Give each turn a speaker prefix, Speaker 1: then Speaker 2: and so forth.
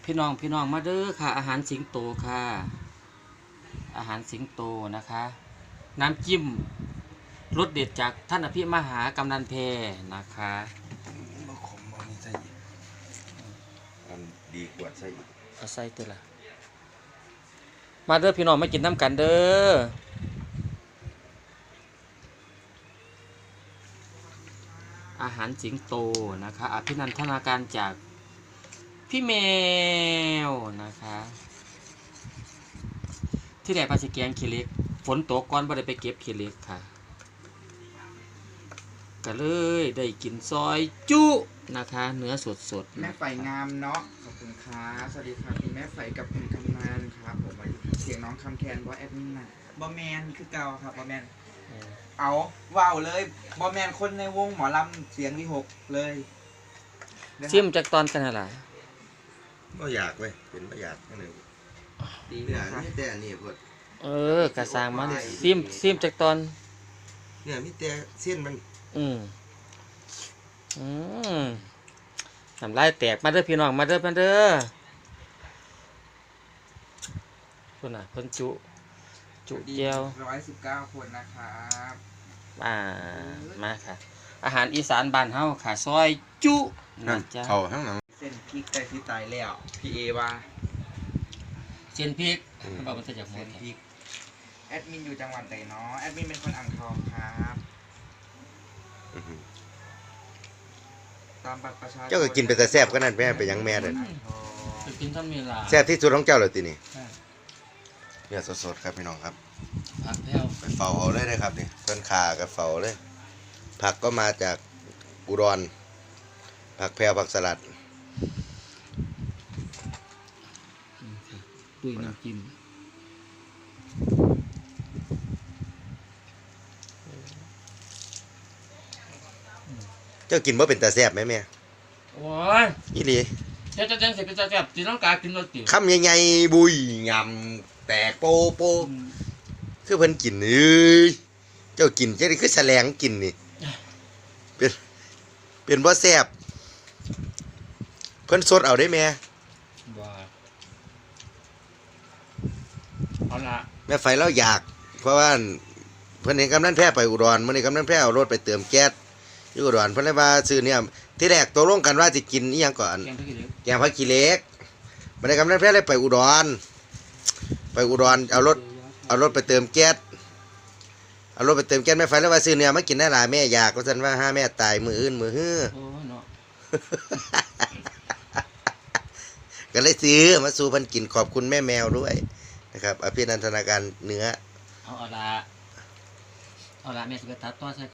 Speaker 1: พี่น้องมาเด้อค่ะอาหารสิงโตค่ะอาหารสิงโตนะคะน้ำจิ้มรสเด็ดจากท่านอภิมหากำนันเพนะคะ
Speaker 2: บ่ขมบ่มีใส่อีกอันดีกว่าใส่อีก
Speaker 1: เอาใส่ตัวละมาเด้อพี่น้องมากินน้ำกันเด้ออาหารสิงโตนะคะอภินันทนาการจากพี่แมวนะคะที่แดดปลาสิแกงขี้เหล็กฝนตกก่อนบ่ได้ไปเก็บขี้เหล็กค่ะก็เลยได้กินซอยจุนะคะเนื้อสดๆ
Speaker 3: แม่ไฟงามเนาะขอบคุณครับสวัสดีครับคุณแม่ไฟกับคุณคำนานครับผมมาเสียงน้องคำแคนว่าแอดมินน่ะบอแมนคือเก่าครับบอแมนเอาว้าวเลยบอแมนคนในวงหมอลำเสียงวิหกเลย
Speaker 1: ซิมจากตอนกันอะไร
Speaker 2: บ่อยากเว้ยเป็นบ่อยากนั่นเอง
Speaker 3: ดี
Speaker 2: เนี่ย
Speaker 3: นะครับ
Speaker 2: มีแต่อันนี้พวก
Speaker 1: กระซางมันซิมจากตอน
Speaker 2: เนี่ยมีแต่เส้นมัน
Speaker 1: อืมน้ำลายแตกมาเด้อพี่น้องมาเด้อคนน่ะคนจุเจียว
Speaker 3: 119 คนนะครับ
Speaker 1: มาค่ะอาหารอีสานบ้านเฮาค่ะซอยจุนะจ๊ะ
Speaker 2: เข้าข้างหลัง
Speaker 3: เส้นพริกแต่ที่ตายแล้วพี่เอว่า
Speaker 1: เส้นพริกบอกมันจะจากหม
Speaker 3: เส้
Speaker 1: ด
Speaker 3: นพริกแอดมินอยู่จังหวัดไหนเนาะแอดมินเป็นคนอ่างทองครับตามบัตรประชาชน
Speaker 2: เจ้าก็กินไปแต่แซ่บก็นั่นแม่ไปยังแม่เด้อ
Speaker 1: จะกินท่านมีลา
Speaker 2: แซ่บที่สุดของเจ้าเลยทีนี้เนี่ยสดๆครับพี่น้องครับ
Speaker 1: ผักแพ้ว
Speaker 2: ไปเฝ้าเอาเลยนะครับนี่ต้นขากับเฝ้าเลยผักก็มาจากอุดรผักแพรวผักสลัด
Speaker 1: ด้วยน้ำจิ้ม
Speaker 2: เจ้ากินบ่เป็นตาแซ่บไหมแม่
Speaker 1: โอ้ย
Speaker 2: อีหลี
Speaker 1: จะเสร็จเป็นจะแซ่บตีน้องกากินรสติ๋ว
Speaker 2: คำใหญ่ๆบุยงำแตกโปโปคือเพิ่นกินเอ้ยเจ้ากินจะได้คือแสลงกินนี่เป็นบ่แซ่บเพิ่นสดเอาได้แม่
Speaker 1: บ้าเอาละ
Speaker 2: แม่ไฟเราอยากเพราะว่าเพิ่นเห็นกำนันแพ้ไปอุดรมื้อนี้กำนันแพ้เอารถไปเติมแก๊สอยู่อุดรเพิ่นเลยว่าซื้อเนี่ยที่แรกตกลงกันว่าสิกินอีหยังก่อนแกงผักขี้เหล็กมื้อนี้กำนันแพ้เลยไปอุดรเอารถไปเติมแก๊สแม่ไฟแล้วว่าซื้อเนี่ยมากินได้หลายแม่อยากว่าซั่นว่าห้าแม่ตายมื้ออื่นมื้อฮื้อ
Speaker 1: โอ้เนาะ
Speaker 2: ก็เลยซื้อมาสู่เพิ่นกินขอบคุณแม่แมวด้วยนะครับอภินันทนาการเนื้อ
Speaker 1: เอาละแม่สิไปตัดต่อใส่